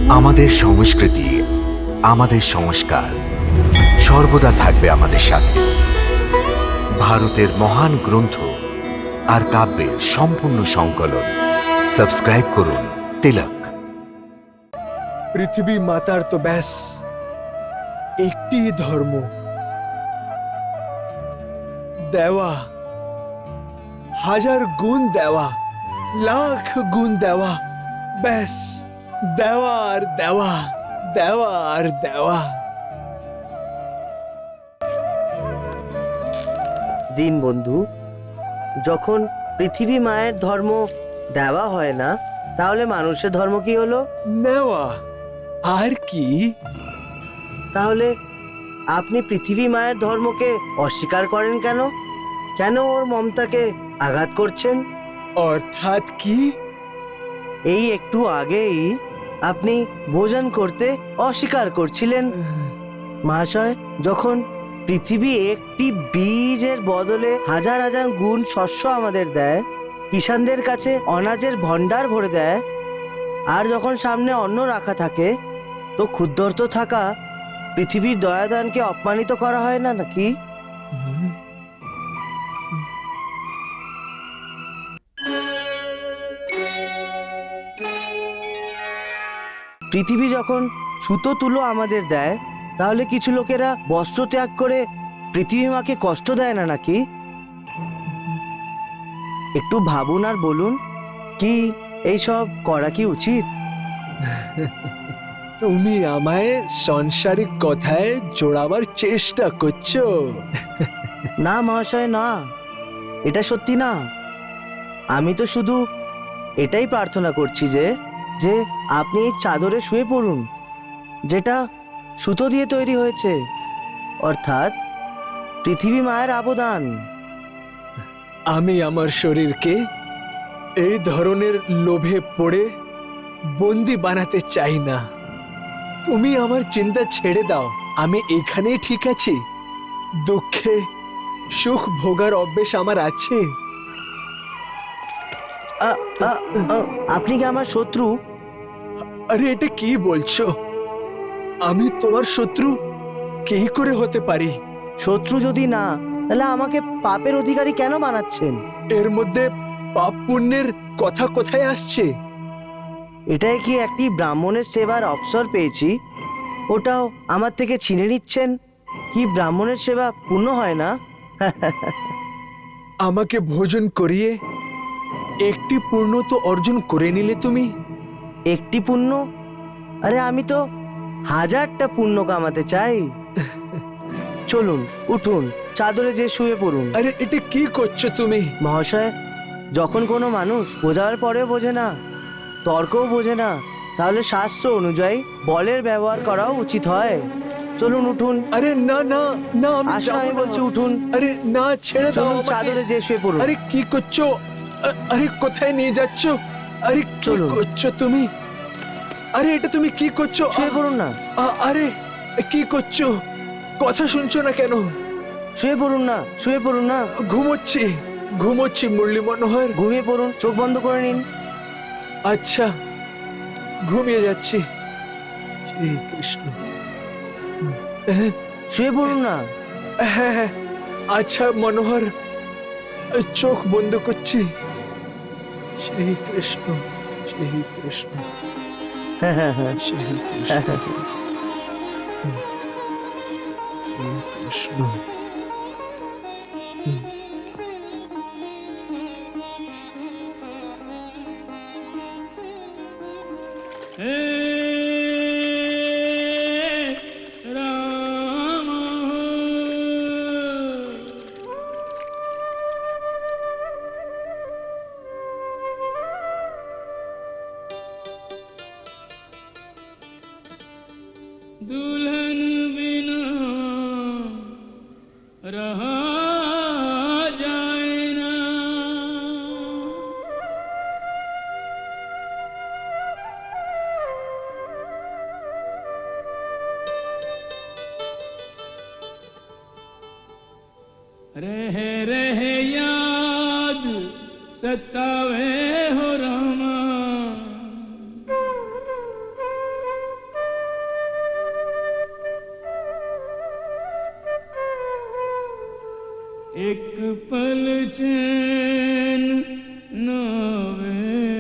আমাদের সংস্কৃতি, আমাদের সংস্কার সর্বদা থাকবে আমাদের সাথে। ভারতের মহান গ্রন্থ আর কাব্যের সম্পূর্ণ সংকলন। সাবস্ক্রাইব করুন তিলক। পৃথিবী মাতার তো ব্যাস একটি ধর্ম, দেওয়া, হাজার গুণ দেওয়া, লাখ গুণ দেওয়া, ব্যাস দেওয়া আর দেওয়া, দেওয়া আর দেওয়া। দীনবন্ধু, যখন পৃথিবী মায়ের ধর্ম দেওয়া হয় না, তাহলে মানুষের ধর্ম কি হলো? নেওয়া। আর কি? তাহলে আপনি পৃথিবী মায়ের ধর্মকে অস্বীকার করেন কেন? কেন ওর মমতাকে আঘাত করছেন? অর্থাৎ কি? এই একটু আগেই আপনি ভোজন করতে অস্বীকার করছিলেন। মহাশয়, যখন পৃথিবী একটি বীজের বদলে হাজার হাজার গুণ শস্য আমাদের দেয়, কিষানদের কাছে অনাজের ভণ্ডার ভরে দেয়, আর যখন সামনে অন্ন রাখা থাকে, তো ক্ষুদ্রত থাকা পৃথিবীর দয়াদানকে অপমানিত করা হয় না নাকি? পৃথিবী যখন সুতো তুলো আমাদের দেয়, তাহলে কিছু লোকেরা বস্ত্র ত্যাগ করে পৃথিবী মাকে কষ্ট দেয় না নাকি? একটু ভাবুন আর বলুন, কি এইসব করা কি উচিত? তুমি আমায় সাংসারিক কথায় জোড়াবার চেষ্টা করছো? না মহাশয়, না, এটা সত্যি না। আমি তো শুধু এটাই প্রার্থনা করছি যে যে আপনি এই চাদরে শুয়ে পড়ুন, যেটা সুতো দিয়ে তৈরি হয়েছে, অর্থাৎ পৃথিবী মায়ের আবদান। আমি আমার শরীরকে এই ধরনের লোভে পড়ে বন্দি বানাতে চাই না। তুমি আমার চিন্তা ছেড়ে দাও, আমি এখানেই ঠিক আছি। দুঃখে সুখ ভোগার অভ্যেস আমার আছে। আ, আ, আ, আপনি কি আমার শত্রু? আরে এটা কি বলছো? আমি তোমার শত্রু কি করে হতে পারি? শত্রু যদি না, তাহলে আমাকে পাপের অধিকারী কেন বানাচ্ছেন? এর মধ্যে পাপ পুণ্যের কথা কোথায় আসছে? এটাই কি একটি ব্রাহ্মণের সেবার অবসর পেয়েছি, ওটাও আমার থেকে ছিনে নিচ্ছেন? কি ব্রাহ্মণের সেবা পূর্ণ হয় না? আমাকে ভোজন করিয়ে একটি পূর্ণ তো অর্জন করে নিলে তুমি। একটি পুণ্য? আরে আমি তো হাজারটা পুণ্য কামাতে চাই। চলুন, উঠুন, চাদরে যে শুয়ে পড়ুন। আরে এটা কি করছো তুমি? মহাশয়, যখন কোনো মানুষ বোঝার পরেও বোঝে না, তর্কও বোঝে না, তাহলে শাস্ত্র অনুযায়ী বলের ব্যবহার করাও উচিত হয়। চলুন, উঠুন। আরে না না না, আমি আসুন, যাবো আমি না। বলছি উঠুন। আরে না, ছেড়ে দাও চলুন, আমাকে। চাদরে যে শুয়ে পড়ুন। আরে কি করছো? আরে কোথায় নিয়ে যাচ্ছ? আরে কি চলুন। করছো তুমি? আরে এটা তুমি কি করছো? শুয়ে পড়ুন না। আরে কি করছো? কথা শুনছো না কেন? শুয়ে পড়ুন না, শুয়ে পড়ুন না। ঘুমোচ্ছি, ঘুমোচ্ছি মুরলী মনোহর। ঘুমিয়ে পড়ুন, চোখ বন্ধ করে নিন। আচ্ছা, ঘুমিয়ে যাচ্ছি। শ্রী কৃষ্ণ। শুয়ে পড়ুন না। হ্যাঁ হ্যাঁ, আচ্ছা মনোহর, চোখ বন্ধ করছি। শ্রী কৃষ্ণ, শ্রী কৃষ্ণ, হ্যাঁ হ্যাঁ হ্যাঁ। শ্রী কৃষ্ণ, শ্রী কৃষ্ণ। दुल्हन बिना रहा जाए ना। रह याद सतावे हो रामा, एक पल चैन न आवे